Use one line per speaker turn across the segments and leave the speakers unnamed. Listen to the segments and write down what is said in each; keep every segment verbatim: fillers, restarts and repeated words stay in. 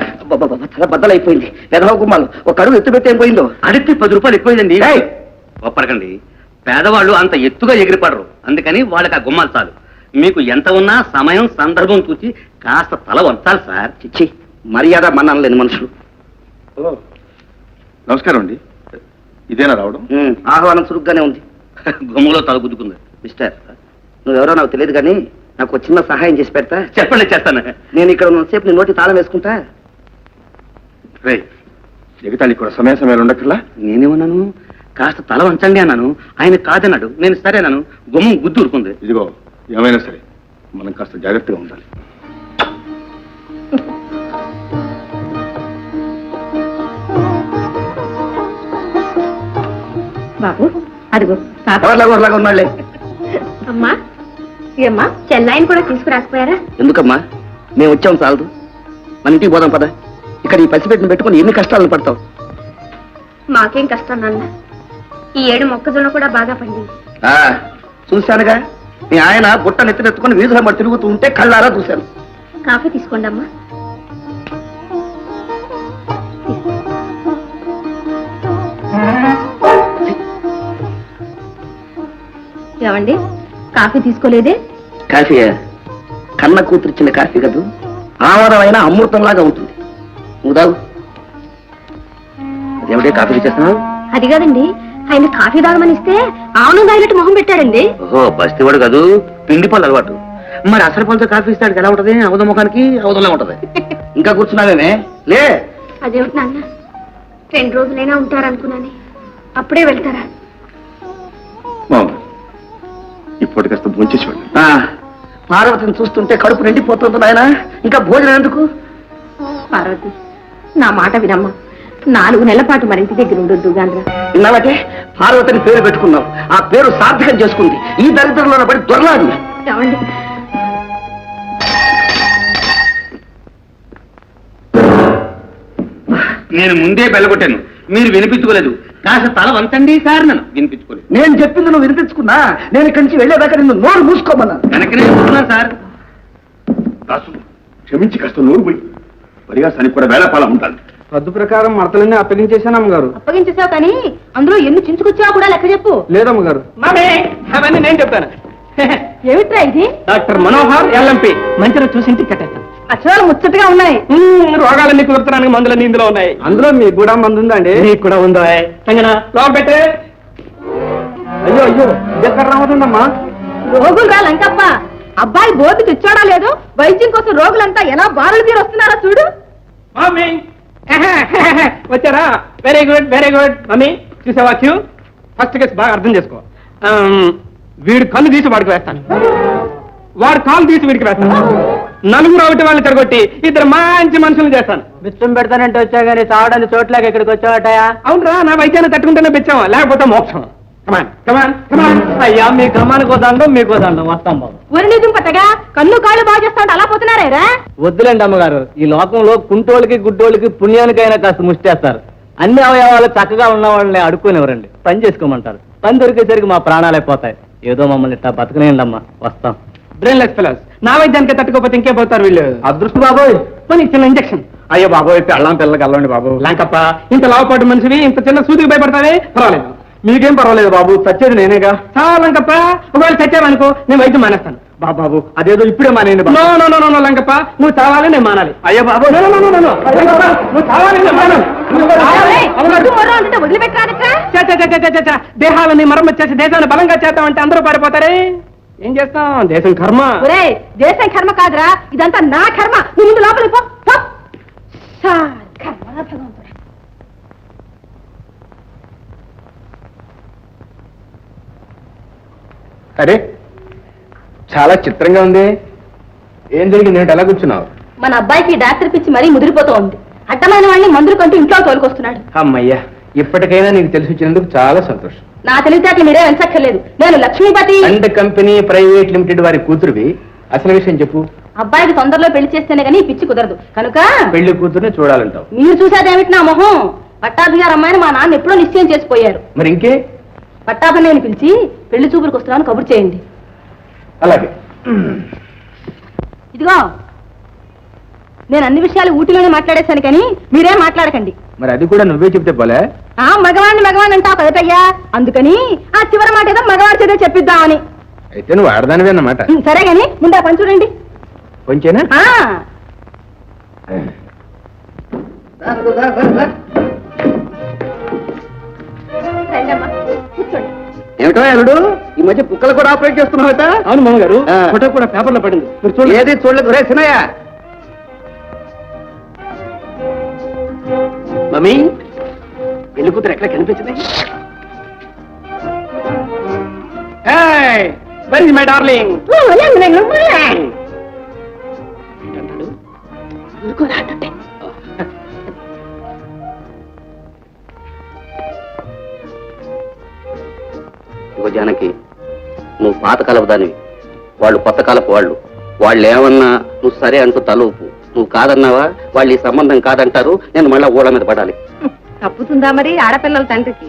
తల బద్దలైపోయింది. పెదవ గుమ్మాలు ఒక అడుగు ఎత్తు పెట్టి ఏం పోయిందో.
అడిగితే పది రూపాయలు ఎక్కువైందండి. ఒప్పరకండి, పేదవాళ్ళు అంత ఎత్తుగా ఎగిరిపడరు, అందుకని వాళ్ళకి ఆ గుమ్మాలు చాలు. మీకు ఎంత ఉన్నా సమయం సందర్భం చూసి కాస్త తల వంచాలి సార్.
చిచ్చి, మర్యాద మన్నాను లేని మనుషులు.
నమస్కారం అండి, ఇదేనా రావడం?
ఆహ్వానం చురుగ్గానే ఉంది.
గుమ్మలో తల గుద్దుకుంది.
మిస్టర్, నువ్వెవరో నాకు తెలియదు కానీ నాకు చిన్న సహాయం చేసి పెడతా.
చెప్పండి, చేస్తాను.
నేను ఇక్కడ ఉన్నసేపు నీ నోటి తాళం వేసుకుంటా.
రే, ఎగతాళి కూడా సమయ సమయాలు ఉండక్కర్లా.
నేనేమన్నాను? కాస్త తల వంచండి అన్నాను. ఆయన కాదన్నాడు, నేను సరేనాను. గుమ్మం గుద్దు ఊరుకుంది.
ఇదిగో, ఏమైనా సరే మనం కాస్త జాగ్రత్తగా ఉండాలి.
బాబు అదిగో
ఎవరిలాగా ఉన్నాళ్లే.
అమ్మా ఏమ్మా, చెన్నైని కూడా తీసుకురాకపోయారా?
ఎందుకమ్మా, మేము వచ్చాం చాలదు. మన ఇంటికి పోదాం పద. ఇక్కడ ఈ పసిపెట్టిన పెట్టుకుని ఎన్ని కష్టాలను పడతావు.
మాకేం కష్టం నాన్న, ఈ ఏడు మొక్కజొన్న కూడా బాగా పండింది.
చూశానుగా, మీ ఆయన బుట్ట నెత్తినెత్తుకుని వీధుల మరి తిరుగుతూ ఉంటే కళ్ళారా చూశాను.
కాఫీ తీసుకోండి అమ్మా. ఏమండి, కాఫీ తీసుకోలేదే?
కాఫీయా? కన్న కూతురిచ్చిన కాఫీ కదూ, ఆవరమైన అమృతంలాగా ఉంటుంది. నువ్వు తాగు. అదేమిటే కాఫీ చేస్తున్నావు?
అది కాదండి, ఆయన కాఫీ తాగమని ఇస్తే ఆవును తాగినట్టు మొహం పెట్టాడండి.
ఓహో, బస్తీవాడు కాదు, పిండి పళ్ళు అలవాటు. మరి అసలు పళ్ళతో కాఫీ ఇస్తాడు ఎలా ఉంటది? అవధ ముఖానికి అవధంలా ఉంటది.
ఇంకా కూర్చున్నావేమే? లే.
అదేమిటి నాన్న, రెండు రోజులైనా ఉంటారనుకున్నాను, అప్పుడే వెళ్తారా?
ఇప్పటి కాస్త భోంచేసి వెళ్ళి.
పార్వతిని చూస్తుంటే కడుపు నిండిపోతుంది నాయన, ఇంకా భోజనం ఎందుకు?
పార్వతి, నా మాట వినమ్మా. నాలుగు నెలల పాటు మరి ఇంటి దగ్గర ఉండొద్దు గాంధ్ర.
ఇన్నాళ్ళకే పార్వతిని పేరు పెట్టుకున్నావు, ఆ పేరు సార్థకం చేసుకుంది. ఈ దరిద్రంలో పడి దొరలాడు.
ఏమండి,
నేను ముందే బెల్లగొట్టాను, మీరు వినిపించుకోలేదు. కాస్త తల వంచండి సార్. నన్ను వినిపించుకోలేదు.
నేను చెప్పింది నువ్వు వినిపించుకున్నా, నేను ఇక్కడి నుంచి వెళ్ళేదాకా నిన్ను నోరు మూసుకోమన్నా.
వెనకనే చూస్తున్నాను సార్.
దాసు, క్షమించి కాస్త నోరు పోయి పరిహాసానికి కూడా వేళపాల ఉండాలి.
పద్దు ప్రకారం మడతలన్నీ అప్పగించేశాను అమ్మగారు.
అప్పగించేసావు కానీ అందులో ఎన్ని చించుకొచ్చావో కూడా లెక్క చెప్పు.
లేదమ్మగారు.
అవన్నీ నేను చెప్తాను.
ఏమిట్రా ఇది?
డాక్టర్ మనోహర్ ఎల్ఎంపి, మంచిగా చూసి ఇంటికి కట్టేస్తాను.
అక్షరాలు ముచ్చటగా ఉన్నాయి.
రోగాలన్నీ కుదురుతున్నాను, మందులన్నీ ఇందులో ఉన్నాయి.
అందులో మీకు కూడా మందు ఉందండి?
నీకు కూడా ఉందో? లోపల పెట్టే.
అయ్యో అయ్యో, ఎక్కడ రావతుందమ్మా?
రోగులు రా లంకప్ప, అబ్బాయి బోర్డు తెచ్చాడా లేదు, వైద్యం కోసం రోగులంతా ఎలా బారులు తీరు వస్తున్నారో చూడు.
మమ్మీ వచ్చారా? Very good very good. Mummy చూసావా క్యూ? ఫస్ట్ కేసు బాగా అర్థం చేసుకో. వీడు కన్ను తీసి వాడికి వేస్తాను, వాడు కాలు తీసి వీడికి వేస్తాను. నలుగురు ఒకటి వాళ్ళని తిరగొట్టి ఇద్దరు మంచి మనుషులు చేస్తాను.
బిచ్చం పెడతానంటే వచ్చా కానీ తావడానికి చోట్లకి ఇక్కడికి వచ్చావటయా?
అవునరా, నా వైద్యాన్ని తట్టుకుంటేనే బిచ్చాం, లేకపోతే మోక్షం. కమాన్ కమాన్ కమాన్.
అయ్యా, మీ కమానికి వదండం మీకు వదండం. వస్తాం బాబు.
ఒరి నిజం పట్టగా కన్ను కాళ్ళు బాగా చేస్తా అలా పోతున్నారా?
వద్దులేండి అమ్మగారు, ఈ లోకంలో కుంటోళ్ళకి గుడ్డోళ్ళకి పుణ్యానికైనా కాస్త ముష్టేస్తారు. అన్ని అవయవాలు చక్కగా ఉన్న వాళ్ళని అడుక్కునివ్వరండి, పని చేసుకోమంటారు. పని దొరికేసరికి మా ప్రాణాలైపోతాయి. ఏదో మమ్మల్ని ఇట్లా బతకనేయండి అమ్మా, వస్తాం.
బ్రెయిన్లెస్ ఫెలోస్, నా వైద్యానికి తట్టుకోపోతే ఇంకే పోతారు వీళ్ళు.
అదృష్ట బాబోయ్,
పోనీ చిన్న ఇంజక్షన్.
అయ్యో బాబోయ్, పెళ్ళం పిల్లలకి వెళ్ళండి బాబు.
లాంకప్ప, ఇంత లావపాటు మనిషివి ఇంత చిన్న సూదికి భయపడతావే? పర్వాలేదు.
మీకేం పర్వాలేదు బాబు, చచ్చేది నేనేగా.
చాలా లంకప్ప, ఒకవేళ చచ్చావనుకో నేను వైద్యం మానేస్తాను.
బాబు బాబు, అదేదో ఇప్పుడే మానేయండి.
No no no no Lankappa, నువ్వు చావాలి నేను మానాలి.
అయ్యో బాబు,
no no no no no Lankappa, నువ్వు చావాలి నేను మానాలి.
వదిలిపెట్టరా?
దేహాలని మరమ్మతు చేసి దేశాన్ని బలంగా చేద్దామంటే అందరూ పారిపోతారే. ఏం చేస్తాం, దేశం కర్మ.
ఒరే, దేశం కర్మ కాదురా, ఇదంతా నా కర్మ. నువ్వు ముందు లోపలికి పో.
అరే, చాలా చిత్రంగా ఉంది. ఏం జరిగింది? నేను ఎలా కూర్చున్నావు?
మన అబ్బాయికి డాక్టర్ పిచ్చి మరీ ముదిరిపోతూ ఉంది. అడ్డమైన వాళ్ళని మందులు కంటూ ఇంట్లో తోలుకొస్తున్నాడు.
అమ్మయ్యా, ఇప్పటికైనా నీకు తెలిసి వచ్చినందుకు చాలా సంతోషం.
నా తెలివితేటలు మీరే వెంచక్కర్లేదు. నేను Lakshmipati
and company private limited వారి కూతురువి. అసలు విషయం చెప్పు.
అబ్బాయికి తొందరలో పెళ్లి చేస్తేనే గానీ పిచ్చి కుదరదు కనుక
పెళ్లి కూతురుని చూడాలంటావు.
మీరు చూసేదేమిటి నా మొహం? పట్టాభి గారు అమ్మాయిని మా నాన్న ఎప్పుడో నిశ్చయం చేసిపోయారు.
మరి ఇంకే?
పట్టాభిని పిలిచి పెళ్లి చూపులకు వస్తున్నాను కబురు చేయండి.
అలాగే.
ఇదిగో నేను అన్ని విషయాలు ఊటీలోనే మాట్లాడేశాను కానీ మీరేం మాట్లాడకండి.
మరి అది కూడా నువ్వే చెప్తే పోలే.
ఆ మగవాడిని మగవాడిని అంటావు కదటయ్యా, అందుకని ఆ చివరి మాట ఏదో మగవాడి చేత చెప్పిద్దామని.
అయితే నువ్వు ఆడదానివే అన్నమాట.
సరే గాని ముందు ఆ పని చూడండి.
కొంచెనా?
ఆ రండమ్మా, కూర్చోండి.
ఏమిటో అల్లుడు ఈ మధ్య కుక్కలు కూడా ఆపరేట్ చేస్తున్నావుట?
అవును మామగారు,
ఆ.
ఫోటో కూడా పేపర్లో పడింది. మీరు చూడండి.
ఏది చూడలేదు రే సినయ్య.
మమ్మీ, పెళ్లి కూతురు ఎక్కడ కనిపించింది? Very my darling.
ఇగో జానకి, నువ్వు పాత కాలపు దానివి, వాళ్ళు కొత్త కాలపు వాళ్ళు. వాళ్ళు ఏమన్నా నువ్వు సరే అంటూ తలూపు. నువ్వు కాదన్నావా వాళ్ళు ఈ సంబంధం కాదంటారు, నేను మళ్ళా ఊళ్ళ మీద పడాలి.
తప్పుతుందా మరి ఆడపిల్లల తండ్రికి?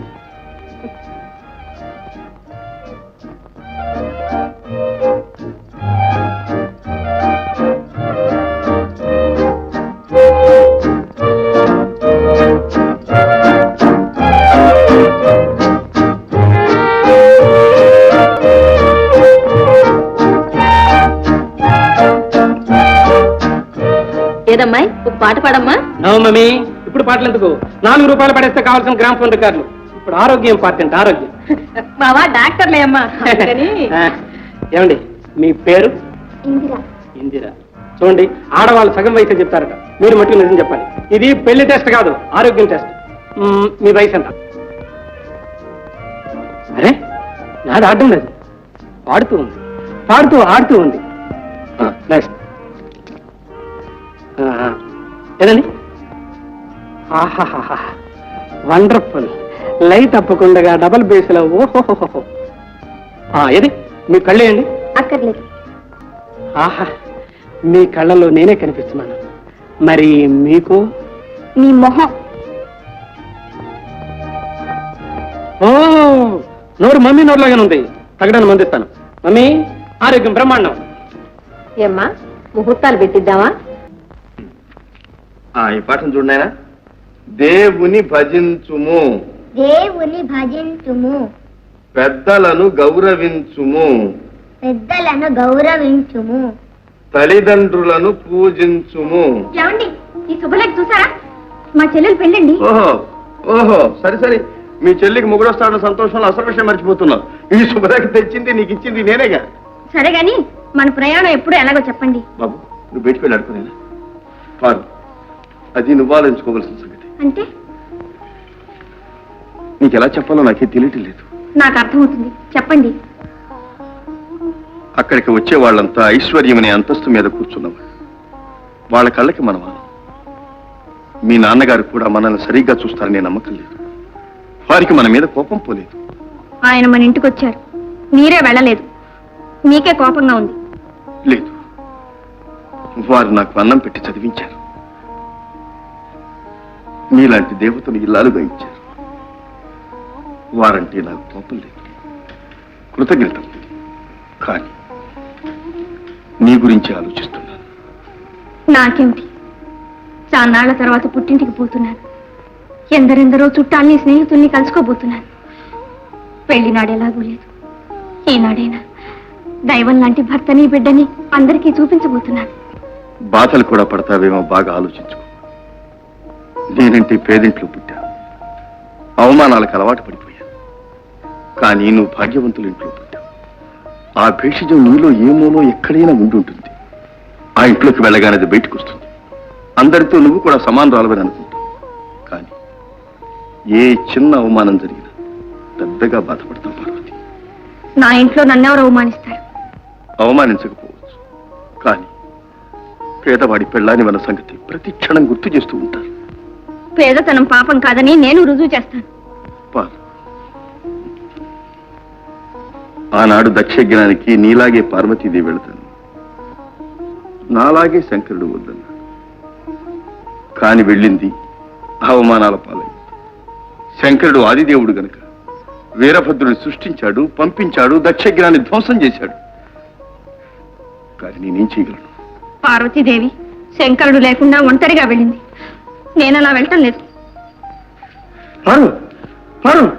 ఏదమ్మాయి ఒక పాట పాడమ్మా.
నో మమ్మీ, ఇప్పుడు పాటలు ఎందుకు? నాలుగు రూపాయలు పడేస్తే కావాల్సిన గ్రామ్ ఫోన్ రికార్డులు. ఇప్పుడు ఆరోగ్యం ఇంపార్టెంట్, ఆరోగ్యం.
బావా డాక్టర్లే అమ్మా.
ఏమండి మీ పేరు?
ఇందిరా.
ఇందిరా. చూడండి, ఆడవాళ్ళు సగం వయసు చెప్తారట, మీరు మట్టుకు నిజం చెప్పాలి. ఇది పెళ్లి టెస్ట్ కాదు, ఆరోగ్యం టెస్ట్. మ్మ్, మీ వయసు ఎంత? అరే నాది ఆడడం లేదు, పాడుతూ ఉంది, పాడుతూ ఆడుతూ ఉంది. నెక్స్ట్ ఏదండి? ఆహాహా, వండర్ఫుల్. లైట్ తప్పకుండా డబల్ బేస్లో. ఓహోహోహో. ఏది మీ కళ్ళేయండి.
అక్కర్లేదు.
ఆహా, మీ కళ్ళలో నేనే కనిపిస్తున్నాను. మరి మీకు?
నీ మొహం.
ఓ, నోరు మమ్మీ నోరులాగానే ఉంది. తగ్గడానికి మందిస్తాను. మమ్మీ, ఆరోగ్యం బ్రహ్మాండం.
ఏమ్మా, ముహూర్తాలు పెట్టిద్దామా?
ఈ పాఠం చూడనాయనా. దేవుని భజించుము,
దేవుని భజించుము,
పెద్దలను గౌరవించుము,
పెద్దలను గౌరవించుము,
తల్లిదండ్రులను పూజించుము.
ఏమండి, ఈ శుభలేఖ చూసారా? మా చెల్లెలు పెళ్ళండి.
ఓహో ఓహో సరే సరే, మీ చెల్లికి ముగ్గురొస్తాడన్న సంతోషంలో అసలు విషయం మర్చిపోతున్నావు. ఈ శుభ్రకి తెచ్చింది నీకు ఇచ్చింది నేనేగా.
సరే గాని మన ప్రయాణం ఎప్పుడు ఎలాగో చెప్పండి.
బాబు, నువ్వు బయటికి వెళ్ళి అడుకునేనా? పారు, అది నువ్వు ఆలోచించుకోవాల్సిన సంగతి.
అంటే
నీకు ఎలా చెప్పాలో నాకే తెలియటం లేదు.
నాకు అర్థమవుతుంది, చెప్పండి.
అక్కడికి వచ్చే వాళ్ళంతా ఐశ్వర్యం అనే అంతస్తు మీద కూర్చున్నవాళ్ళు. వాళ్ళ కళ్ళకి మనమా? మీ నాన్నగారు కూడా మనల్ని సరిగ్గా చూస్తారనే నమ్మకం లేదు. వారికి మన మీద కోపం పోలేదు.
ఆయన మన ఇంటికి వచ్చారు, మీరే వెళ్ళలేదు. మీకే కోపంగా ఉంది.
లేదు, వారు నాకు అన్నం పెట్టి చదివించారు. మీలాంటి దేవతను ఇల్లాలుగా ఇచ్చారు. వారంటే నాకు కోపం లేదు, కృతజ్ఞత. కానీ నీ గురించి ఆలోచిస్తున్నాను.
నాకేమిటి, చాన్నాళ్ల తర్వాత పుట్టింటికి పోతున్నాను. ఎందరెందరో చుట్టాల్ని స్నేహితుల్ని కలుసుకోబోతున్నాను. పెళ్లినాడు ఎలాగూ లేదు, ఈనాడైనా దైవం లాంటి భర్తని బిడ్డని అందరికీ చూపించబోతున్నాను.
బాధలు కూడా పడతావేమో బాగా ఆలోచించుకో. నేనంటే పేదింట్లో పుట్టా, అవమానాలకు అలవాటు పడిపోయా. కానీ నువ్వు భాగ్యవంతుల ఇంట్లో పుట్టావు. ఆ భేషజం నీలో ఏమోనో ఎక్కడైనా ఉండుంటుంది. ఆ ఇంట్లోకి వెళ్ళగానే అది బయటకు వస్తుంది. అందరితో నువ్వు కూడా సమానరాలవని అనుకుంటావు. కానీ ఏ చిన్న అవమానం జరిగినా పెద్దగా బాధపడతావు పార్వతి.
నా ఇంట్లో నన్నెవరు అవమానిస్తారు?
అవమానించకపోవచ్చు, కానీ పేదవాడి పెళ్ళాని మన సంగతి ప్రతి క్షణం గుర్తు చేస్తూ ఉంటారు.
పేదతనం పాపం కాదని నేను రుజువు చేస్తాను.
పార్, ఆనాడు దక్షజ్ఞానికి నీలాగే పార్వతీదేవి వెళతాను, నాలాగే శంకరుడు వద్దన్నాడు. కాని వెళ్ళింది అవమానాల పాలైంది. శంకరుడు ఆదిదేవుడు గనక వీరభద్రుని సృష్టించాడు, పంపించాడు, దక్షజ్ఞాన్ని ధ్వంసం చేశాడు. కానీ నేనేం చేయగలను?
పార్వతీదేవి శంకరుడు లేకుండా ఒంటరిగా వెళ్ళింది. నేను అలా వెళ్ళటం లేదు.
పారు పారు